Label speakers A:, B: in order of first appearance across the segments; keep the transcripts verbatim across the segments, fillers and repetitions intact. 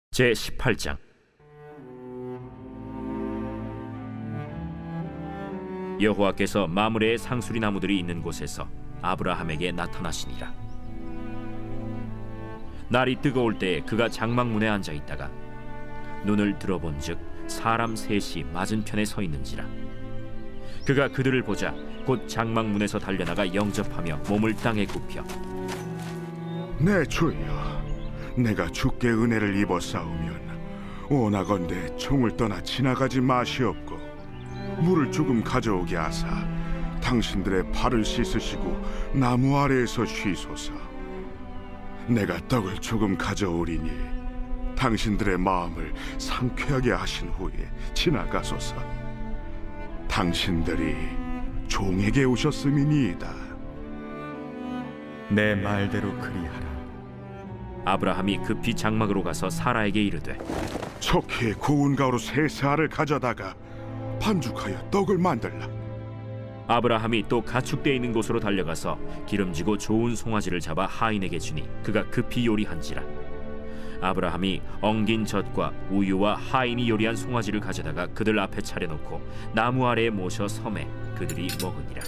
A: 제십팔 장. 여호와께서 마므레의 상수리 나무들이 있는 곳에서 아브라함에게 나타나시니라. 날이 뜨거울 때에 그가 장막문에 앉아 있다가 눈을 들어본즉 사람 셋이 맞은편에 서 있는지라. 그가 그들을 보자 곧 장막문에서 달려나가 영접하며 몸을 땅에 굽혀
B: 내 주여, 내가 주께 은혜를 입어 싸우면 원하건대 총을 떠나 지나가지 마시옵고 물을 조금 가져오게 하사 당신들의 발을 씻으시고 나무 아래에서 쉬소서. 내가 떡을 조금 가져오리니 당신들의 마음을 상쾌하게 하신 후에 지나가소서. 당신들이 종에게 오셨음이니이다.
C: 내 말대로 그리하라.
A: 아브라함이 급히 장막으로 가서 사라에게 이르되
B: 척히 고운 가루 세 세알을 가져다가 반죽하여 떡을 만들라.
A: 아브라함이 또 가축대 있는 곳으로 달려가서 기름지고 좋은 송아지를 잡아 하인에게 주니 그가 급히 요리한지라. 아브라함이 엉긴 젖과 우유와 하인이 요리한 송아지를 가져다가 그들 앞에 차려놓고 나무 아래에 모셔 섬에 그들이 먹으니라.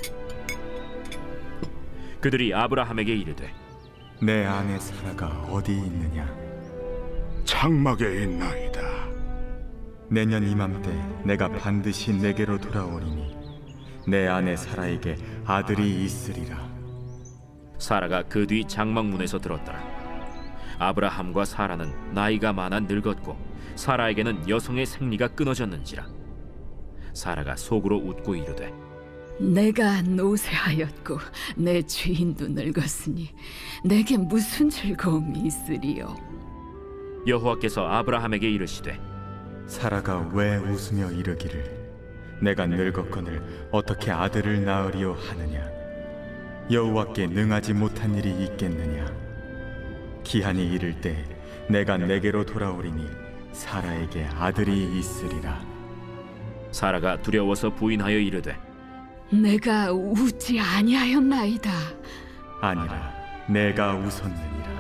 A: 그들이 아브라함에게 이르되
C: 내 아내 사라가 어디 있느냐?
B: 장막에 있나이다.
C: 내년 이맘때 내가 반드시 내게로 돌아오리니 내 아내 사라에게 아들이 있으리라.
A: 사라가 그 뒤 장막문에서 들었더라. 아브라함과 사라는 나이가 많아 늙었고 사라에게는 여성의 생리가 끊어졌는지라. 사라가 속으로 웃고 이르되
D: 내가 노쇠하였고 내 주인도 늙었으니 내게 무슨 즐거움이 있으리요.
A: 여호와께서 아브라함에게 이르시되
C: 사라가 왜 웃으며 이르기를 내가 늙었거늘 어떻게 아들을 낳으리요 하느냐? 여호와께 능하지 못한 일이 있겠느냐? 기한이 이를 때 내가 내게로 돌아오리니 사라에게 아들이 있으리라.
A: 사라가 두려워서 부인하여 이르되
D: 내가 웃지 아니하였나이다.
C: 아니라 내가 웃었느니라.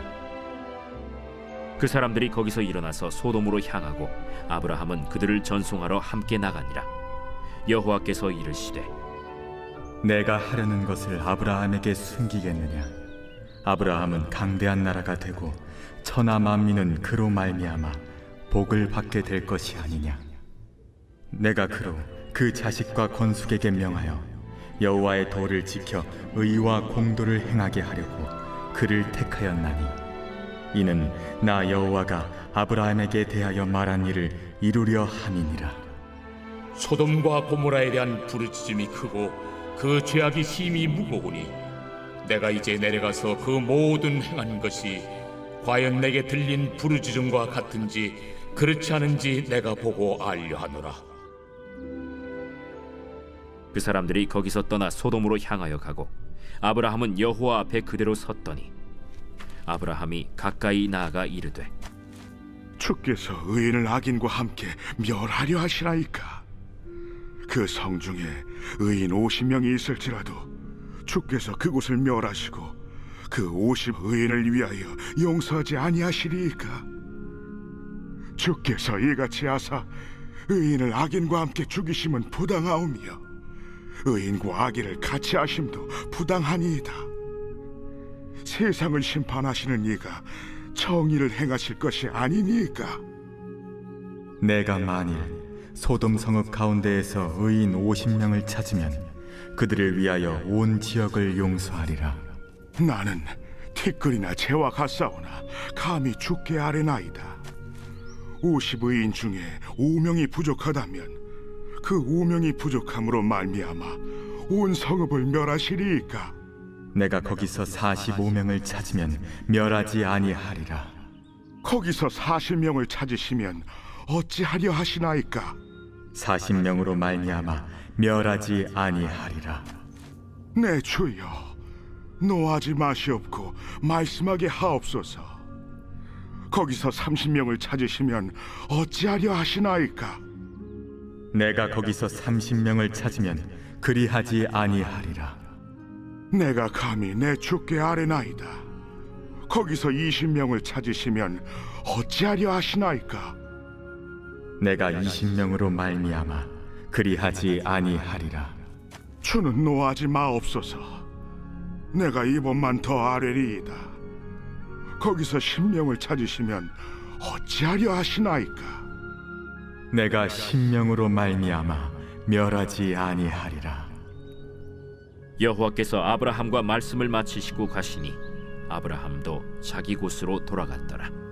A: 그 사람들이 거기서 일어나서 소돔으로 향하고 아브라함은 그들을 전송하러 함께 나가니라. 여호와께서 이르시되
C: 내가 하려는 것을 아브라함에게 숨기겠느냐? 아브라함은 강대한 나라가 되고 천하 만민은 그로 말미암아 복을 받게 될 것이 아니냐? 내가 그로 그 자식과 건숙에게 명하여 여호와의 도를 지켜 의와 공도를 행하게 하려고 그를 택하였나니 이는 나 여호와가 아브라함에게 대하여 말한 일을 이루려 함이니라.
E: 소돔과 고모라에 대한 부르짖음이 크고 그 죄악이 심히 무거우니 내가 이제 내려가서 그 모든 행한 것이 과연 내게 들린 부르짖음과 같은지 그렇지 않은지 내가 보고 알려 하노라.
A: 그 사람들이 거기서 떠나 소돔으로 향하여 가고 아브라함은 여호와 앞에 그대로 섰더니 아브라함이 가까이 나아가 이르되
B: 주께서 의인을 악인과 함께 멸하려 하시나이까? 그 성중에 의인 오십 명이 있을지라도 주께서 그곳을 멸하시고 그 오십 의인을 위하여 용서하지 아니하시리이까? 주께서 이같이 하사 의인을 악인과 함께 죽이심은 부당하오며 의인과 악인을 같이 하심도 부당하니이다. 세상을 심판하시는 이가 정의를 행하실 것이 아니니까?
C: 내가 만일 소돔 성읍 가운데에서 의인 오십 명을 찾으면 그들을 위하여 온 지역을 용서하리라.
B: 나는 티끌이나 재와 같사오나 감히 주께 아뢰나이다. 오십 의인 중에 오 명이 부족하다면 그 오 명이 부족함으로 말미암아 온 성읍을 멸하시리이까?
C: 내가 거기서 사십오 명을 찾으면 멸하지 아니하리라.
B: 거기서 사십 명을 찾으시면 어찌하려 하시나이까?
C: 사십 명으로 말미암아 멸하지 아니하리라.
B: 내 주여, 노하지 마시옵고 말씀하게 하옵소서. 거기서 삼십 명을 찾으시면 어찌하려 하시나이까?
C: 내가 거기서 삼십 명을 찾으면 그리하지 아니하리라.
B: 내가 감히 내 주께 아뢰나이다. 거기서 이십 명을 찾으시면 어찌하려 하시나이까?
C: 내가 이십 명으로 말미암아 그리하지 아니하리라.
B: 주는 노하지 마옵소서. 내가 이번만 더 아뢰리이다. 거기서 십 명을 찾으시면 어찌하려 하시나이까?
C: 내가 신명으로 말미암아 멸하지 아니하리라.
A: 여호와께서 아브라함과 말씀을 마치시고 가시니 아브라함도 자기 곳으로 돌아갔더라.